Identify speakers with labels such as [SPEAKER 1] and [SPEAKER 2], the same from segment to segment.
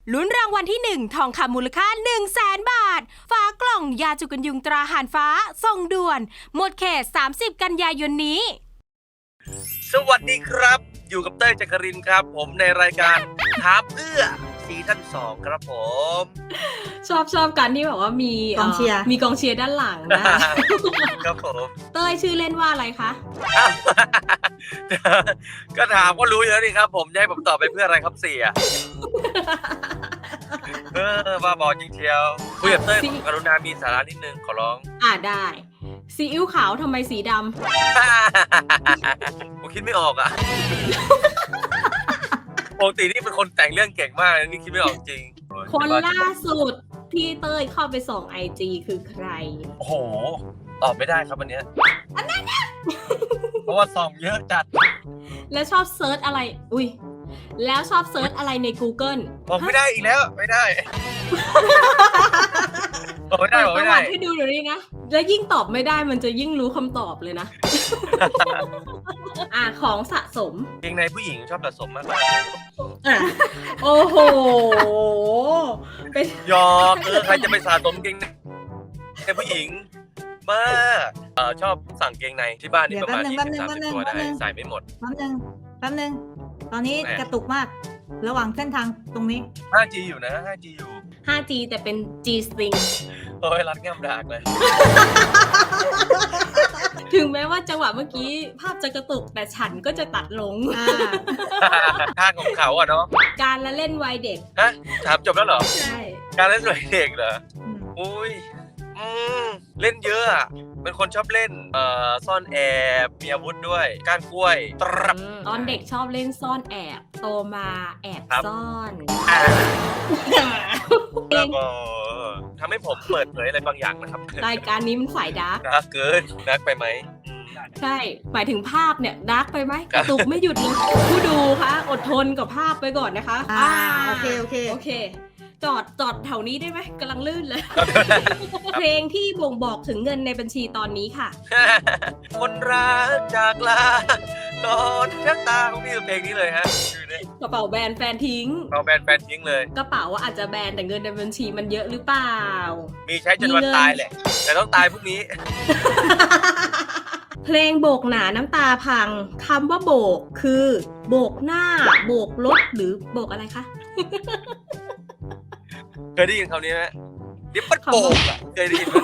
[SPEAKER 1] ลุ้นรางวัลที่1ทองคำมูลค่า 100,000 บาทฝากล่องยาจุกันยุงตราหานฟ้าส่งด่วนหมดเขต30 กันยายนนี้
[SPEAKER 2] สวัสดีครับอยู่กับเต้ยจักรินครับผมในรายการถามเพื่อซีซั่น2ครับผม
[SPEAKER 3] ชอบกันที่แบบว่ามี
[SPEAKER 4] กองเชียร์
[SPEAKER 3] มีกองเชียร์ด้านหลังนะครับ
[SPEAKER 2] ผม
[SPEAKER 3] เต้ยชื่อเล่นว่าอะไรคะ
[SPEAKER 2] ก็ถามก็รู้อยู่แล้วนี่ครับผมจะให้ผมตอบไปเพื่ออะไรครับเสียบ้าบอจริงเชียวคุยกับเต้ยกรุณามีสาระนิดนึงขอร้อง
[SPEAKER 3] ได้ซีอิ๊วขาวทำไมสีดำ
[SPEAKER 2] ผมคิดไม่ออกอ่ะปกตินี่เป็นคนแต่งเรื่องเก่งมากนี่คิดไม่ออกจริง
[SPEAKER 3] คนล่าสุดที่เต้ยเข้าไปส่อง IG คือใคร
[SPEAKER 2] โอ้โหตอบไม่ได้ครับอันเนี้ยเพราะว่าส่องเยอะจัด
[SPEAKER 3] แล้วชอบเซิร์ชอะไรแล้วชอบเซิร์ชอะไรใน Google
[SPEAKER 2] บอกไม่ได้อีกแล้วไม่ได้บอกไม่ได้บอกไม่ได้
[SPEAKER 3] ให้ดูเดี๋ยวนี้นะแล้วยิ่งตอบไม่ได้มันจะยิ่งรู้คำตอบเลยนะของสะสม
[SPEAKER 2] เกงในผู้หญิงชอบสะสมมาก
[SPEAKER 3] โอ้โห
[SPEAKER 2] ยอกใครจะไปสะสมเกงในผู้หญิงบ้าชอบสั่งเกงในที่บ้านนี่ประมาณ20-30 ตัวได้ใส่ไม่หมด
[SPEAKER 4] แป๊บนึงตอนนี้กระตุกมากระหว่างเส้นทางตรงนี้
[SPEAKER 2] 5G อยู่นะ 5G อยู่
[SPEAKER 3] 5G แต่เป็น G string
[SPEAKER 2] โอ้ยรัดง่ามดากเลย
[SPEAKER 3] ถึงแม้ว่าจังหวะเมื่อกี้ภาพจะกระตุกแต่ฉันก็จะตัดลง
[SPEAKER 2] ท่าของเขาอะเนาะ
[SPEAKER 3] การละเล่นวัยเด็ก
[SPEAKER 2] ถามจบแล้วเหรอ
[SPEAKER 3] ใช่
[SPEAKER 2] การเล่นวัยเด็กเหรออุ้ยเล่นเยอะอะเป็นคนชอบเล่นซ่อนแอบมีอาวุธด้วยก้านกล้วย
[SPEAKER 3] ตอนเด็กชอบเล่นซ่อนแอบโตมาแอบซ่อน
[SPEAKER 2] แล้วก็ทำให้ผมเปิดเผยอะไรบางอย่างนะครับ
[SPEAKER 3] รายการนี้มันฝ่ายดาร์ก
[SPEAKER 2] เกินดาร์กไปไหม
[SPEAKER 3] ใช่หมายถึงภาพเนี่ยดาร์กไปไหมกระตุกไม่หยุดเลยผู้ดูคะอดทนกับภาพไปก่อนนะคะ
[SPEAKER 4] โอเค
[SPEAKER 3] จอดแถวนี้ได้ไหมกำลังลื่นเลย เพลงที่บ่งบอกถึงเงินในบัญชีตอนนี้ค่ะ
[SPEAKER 2] คนรักจากลาตอนชักตาของพี่เพลงนี้เลยฮะ
[SPEAKER 3] กระเป๋าแบนแฟนทิ้ง
[SPEAKER 2] เลย
[SPEAKER 3] กระเป๋าว่าอาจจะแบนแต่เงินในบัญชีมันเยอะหรือเปล่า
[SPEAKER 2] มีใช้จนวันตายแหละแต่ต้องตายพรุ่งนี้
[SPEAKER 3] เพลงโบกหนาน้ำตาพังคำว่าโบกคือโบกหน้าโบกรถหรือโบกอะไรคะ
[SPEAKER 2] เคยได้ยินคำนี้ไหมดิบปัดโบกอ่ะเคยได้ยินไหม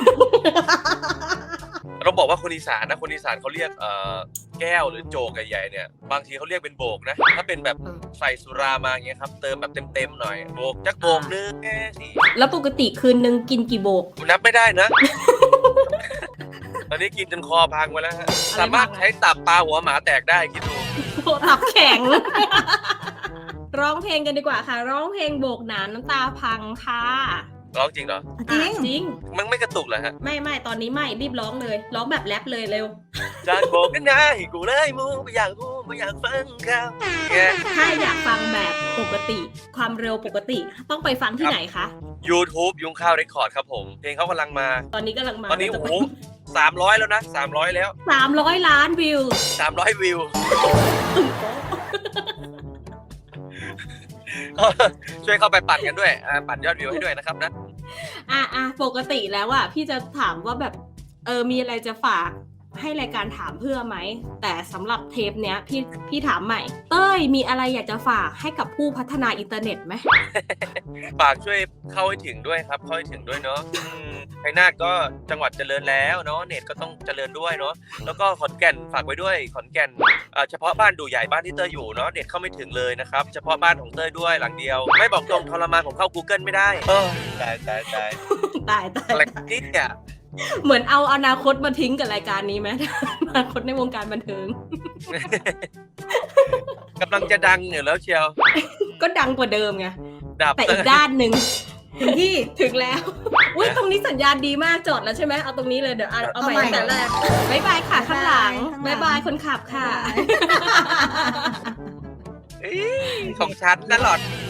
[SPEAKER 2] เราบอกว่าคนอีสานนะคนอีสานเขาเรียกแก้วหรือโจกใหญ่ๆเนี่ยบางทีเขาเรียกเป็นโบกนะถ้าเป็นแบบใส่สุรามาอย่างเงี้ยครับเติมแบบเต็มๆหน่อยโบกจักโบกนึงแค่สิ
[SPEAKER 3] แล้วปกติคืนนึงกินกี่โบก
[SPEAKER 2] นับไม่ได้นะตอนนี้กินจนคอพังไปแล้วฮะสามารถใช้ตับปลาหัวหมาแตกได้คิดดู
[SPEAKER 3] ตับแข็งร้องเพลงกันดีกว่าค่ะร้องเพลงโบกหนาน้ำตาพังค่ะ
[SPEAKER 2] ร้องจริงเหรอ
[SPEAKER 3] จริง
[SPEAKER 2] มันไม่กระตุกเหรอฮะ
[SPEAKER 3] ไม่ตอนนี้ไม่รีบร้องเลยร้องแบบแรปเลยเร็ว
[SPEAKER 2] จะโบกกันนะกูเลยมูไม่อยากพูดไม่อยากฟังครับ
[SPEAKER 3] ถ้าอยากฟังแบบปกติความเร็วปกติต้องไปฟังที่ไหนคะ
[SPEAKER 2] YouTube ยุงข้าวเรคคอร์ดครับผมเพลงเขากำลังมา
[SPEAKER 3] ตอนนี้กำลังมา
[SPEAKER 2] ตอนนี้โอ้โห300แล้วนะ300แล้ว
[SPEAKER 3] 300 ล้านวิว
[SPEAKER 2] 300วิวช่วยเข้าไปปั่นกันด้วยปั่นยอดวิวให้ด้วยนะครับนะ
[SPEAKER 3] ปกติแล้วอ่ะพี่จะถามว่าแบบมีอะไรจะฝากให้รายการถามเพื่อไหมแต่สำหรับเทปเนี้ยพี่ถามใหม่เต้ยมีอะไรอยากจะฝากให้กับผู้พัฒนาอินเทอร์เน็ตไหม
[SPEAKER 2] ฝากช่วยเข้าให้ถึงด้วยครับเข้าให้ถึงด้วยเนาะชัยนาทก็จังหวัดเจริญแล้วเนาะเน็ตก็ต้องเจริญด้วยเนาะแล้วก็ขอนแก่นฝากไว้ด้วยขอนแก่นเฉพาะบ้านดูใหญ่บ้านที่เต้ยอยู่เนาะเน็ตเข้าไม่ถึงเลยนะครับเฉพาะบ้านของเต้ยด้วยหลังเดียวไม่บอกตรงทรมานผมเข้า Google ไม่ได้ตายอะไรนี่เนี่ย
[SPEAKER 3] เหมือนเอาอนาคตมาทิ้งกับรายการนี้ไหมอนาคตในวงการบันเทิง
[SPEAKER 2] กำลังจะดังอยู่แล้วเชียว
[SPEAKER 3] ก็ดังกว่าเดิมไงแต่อีกด้านหนึ่งถึงแล้วตรงนี้สัญญาณดีมากจอดแล้วใช่ไหมเอาตรงนี้เลยเดี๋ยวเอาใหม่แต่แรกบ๊ายบายค่ะข้างหลังบ๊ายบายคนขับค่ะ
[SPEAKER 2] ของฉันตลอด